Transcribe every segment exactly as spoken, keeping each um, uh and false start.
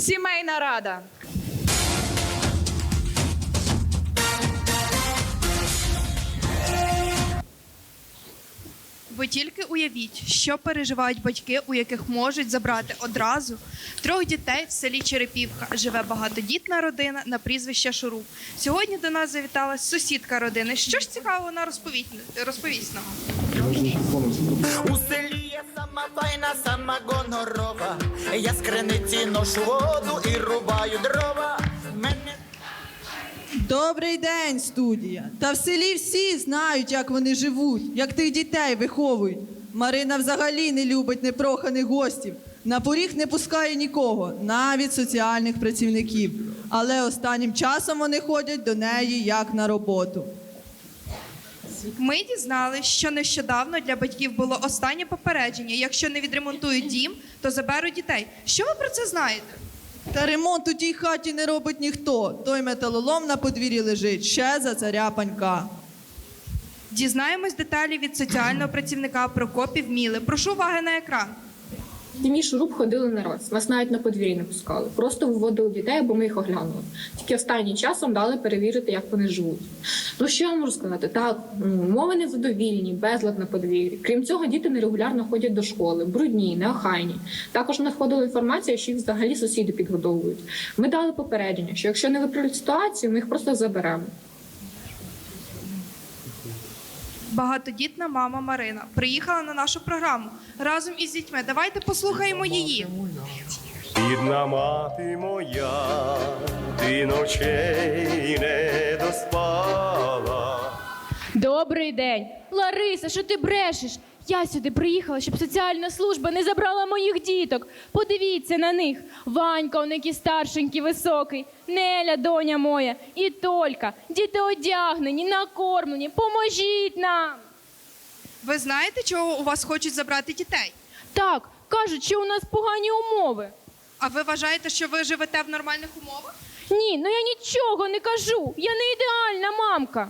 Сімейна рада. Ви тільки уявіть, що переживають батьки, у яких можуть забрати одразу трьох дітей в селі Черепівка. Живе багатодітна родина на прізвище Шуруп. Сьогодні до нас завітала сусідка родини. Що ж цікаво вона розповість, розповість нам? У селі є сама файна, сама гонорова. Я з криниці ношу воду і рубаю дрова. Мене... Добрий день, студія. Та в селі всі знають, як вони живуть, як тих дітей виховують. Марина взагалі не любить непроханих гостів. На поріг не пускає нікого, навіть соціальних працівників. Але останнім часом вони ходять до неї як на роботу. Ми дізналися, що нещодавно для батьків було останнє попередження. Якщо не відремонтують дім, то заберуть дітей. Що ви про це знаєте? Та ремонт у тій хаті не робить ніхто. Той металолом на подвір'ї лежить ще за царя панька. Дізнаємось деталі від соціального працівника Прокопів Міли. Прошу уваги на екран. В мій Шуруп ходили не раз, нас навіть на подвір'ї не пускали. Просто виводили дітей, бо ми їх оглянули. Тільки останнім часом дали перевірити, як вони живуть. Ну що я можу сказати? Так, умови незадовільні, безлад на подвір'ї. Крім цього, діти нерегулярно ходять до школи, брудні, неохайні. Також надходила інформація, що їх взагалі сусіди підгодовують. Ми дали попередження, що якщо не виправлять ситуацію, ми їх просто заберемо. Багатодітна мама Марина приїхала на нашу програму разом із дітьми. Давайте послухаємо її. Бідна мати моя, ти ночей не доспала. Добрий день. Лариса, що ти брешеш? Я сюди приїхала, щоб соціальна служба не забрала моїх діток. Подивіться на них. Ванька, он який старшенький, високий. Неля, доня моя. І Толька. Діти одягнені, накормлені. Поможіть нам. Ви знаєте, чого у вас хочуть забрати дітей? Так, кажуть, що у нас погані умови. А ви вважаєте, що ви живете в нормальних умовах? Ні, ну я нічого не кажу. Я не ідеальна мамка.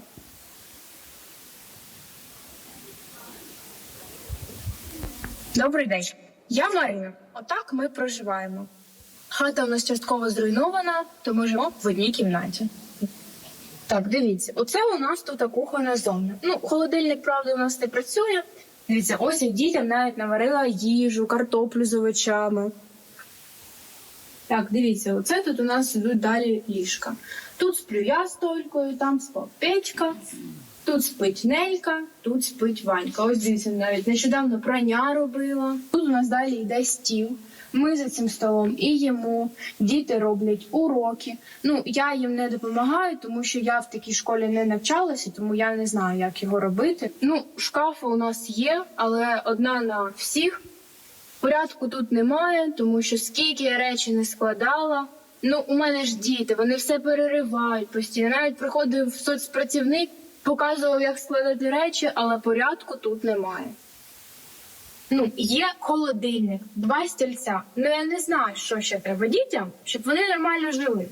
Добрий день, я Марина. Отак ми проживаємо. Хата у нас частково зруйнована, то ми живемо в одній кімнаті. Так, дивіться, оце у нас тут кухонна зона. Ну, холодильник, правда, у нас не працює. Дивіться, ось я дітям навіть наварила їжу, картоплю з овочами. Так, дивіться, оце тут у нас ідуть далі ліжка. Тут сплю я з Толькою, там спав Петька. Тут спить Нелька, тут спить Ванька. Ось дивіться, навіть нещодавно прання робила. Тут у нас далі йде стіл. Ми за цим столом і їмо, діти роблять уроки. Ну, я їм не допомагаю, тому що я в такій школі не навчалася, тому я не знаю, як його робити. Ну, шкафи у нас є, але одна на всіх. Порядку тут немає, тому що скільки я речі не складала. Ну, у мене ж діти, вони все переривають постійно. Навіть приходив соцпрацівник, показував, як складати речі, але порядку тут немає. Ну, є холодильник, два стільця. Ну, я не знаю, що ще треба дітям, щоб вони нормально жили.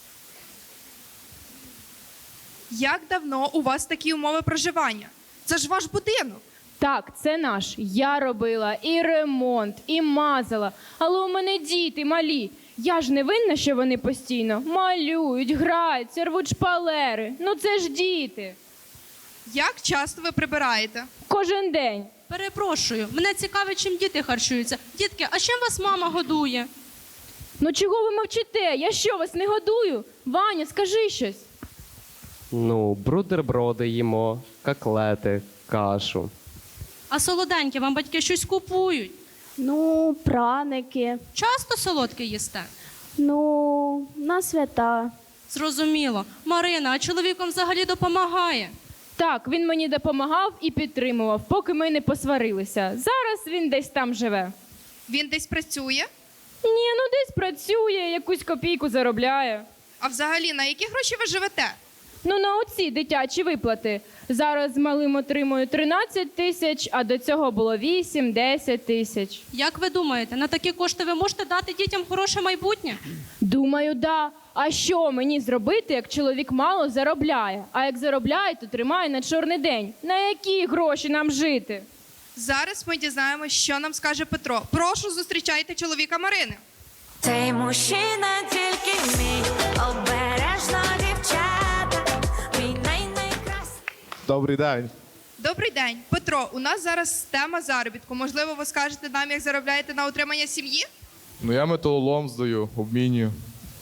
Як давно у вас такі умови проживання? Це ж ваш будинок. Так, це наш. Я робила і ремонт, і мазала. Але у мене діти малі. Я ж не винна, що вони постійно малюють, граються, рвуть шпалери. Ну це ж діти. Як часто ви прибираєте? Кожен день. Перепрошую, мене цікавить, чим діти харчуються. Дітки, а чим вас мама годує? Ну чого ви мовчите? Я що, вас не годую? Ваня, скажи щось. Ну, бутерброди їмо, котлети, кашу. А солоденьке, вам батьки щось купують? Ну, праники. Часто солодке їсте? Ну, на свята. Зрозуміло. Марина, а чоловіком взагалі допомагає? Так, він мені допомагав і підтримував, поки ми не посварилися. Зараз він десь там живе. Він десь працює? Ні, ну десь працює, якусь копійку заробляє. А взагалі, на які гроші ви живете? Ну, на оці дитячі виплати. Зараз з малим отримую тринадцять тисяч, а до цього було вісім-десять тисяч. Як ви думаєте, на такі кошти ви можете дати дітям хороше майбутнє? Думаю, да. А що мені зробити, як чоловік мало заробляє? А як заробляє, то тримає на чорний день. На які гроші нам жити? Зараз ми дізнаємося, що нам скаже Петро. Прошу, зустрічайте чоловіка Марини. Цей мужчина Добрий день. Добрий день, Петро. У нас зараз тема заробітку. Можливо, ви скажете нам, як заробляєте на утримання сім'ї? Ну я металолом здаю, обмінюю.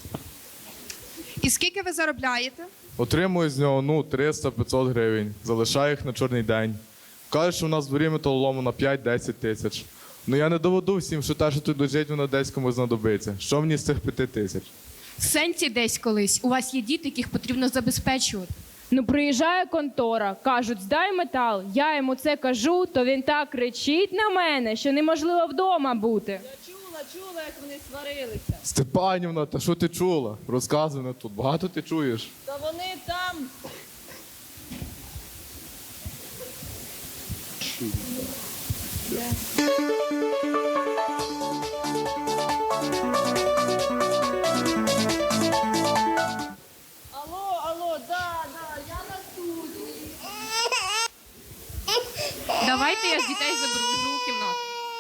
І скільки ви заробляєте? Отримую з нього ну триста-п'ятсот гривень. Залишаю їх на чорний день. Кажуть, що в нас в дворі металолому на п'ять-десять тисяч. Ну я не доведу всім, що те, що тут лежить, воно десь комусь знадобиться. Що мені з цих п'яти тисяч? В сенсі десь колись. У вас є діти, яких потрібно забезпечувати. Ну, приїжджає контора, кажуть, здай метал. Я йому це кажу, то він так кричить на мене, що неможливо вдома бути. Чула, чула, як вони сварилися. Степанівна, та що ти чула? Розказуй не тут. Багато ти чуєш? Та вони там. Алло, алло, да, да, я на студії. Давайте я з дітей заберу в другу кімнату.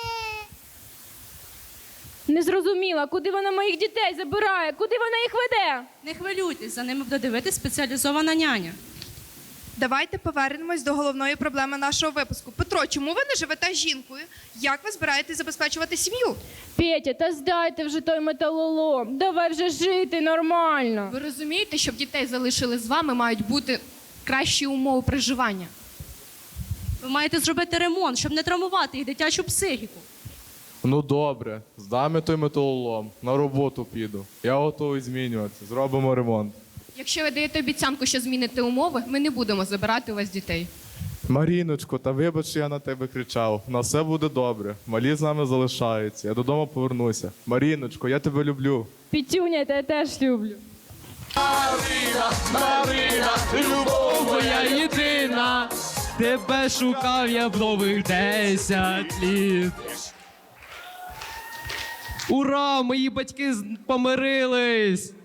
Не зрозуміла, куди вона моїх дітей забирає, куди вона їх веде? Не хвилюйтесь, за ними буде дивитися спеціалізована няня. Давайте повернемось до головної проблеми нашого випуску. Петро, чому ви не живете з жінкою? Як ви збираєтесь забезпечувати сім'ю? Петя, та здайте вже той металолом. Давай вже жити нормально. Ви розумієте, щоб дітей залишили з вами, мають бути кращі умови проживання. Ви маєте зробити ремонт, щоб не травмувати їх дитячу психіку. Ну добре, здам той металолом, на роботу піду. Я готовий змінюватися, зробимо ремонт. Якщо ви даєте обіцянку, що зміните умови, ми не будемо забирати у вас дітей. Маріночко, та вибач, що я на тебе кричав. У нас все буде добре. Малі з нами залишаються. Я додому повернуся. Маріночко, я тебе люблю. Пітюня, та я теж люблю. Марина, любов моя єдина, тебе шукав я довгих десять літ. Ура, мої батьки з- помирились!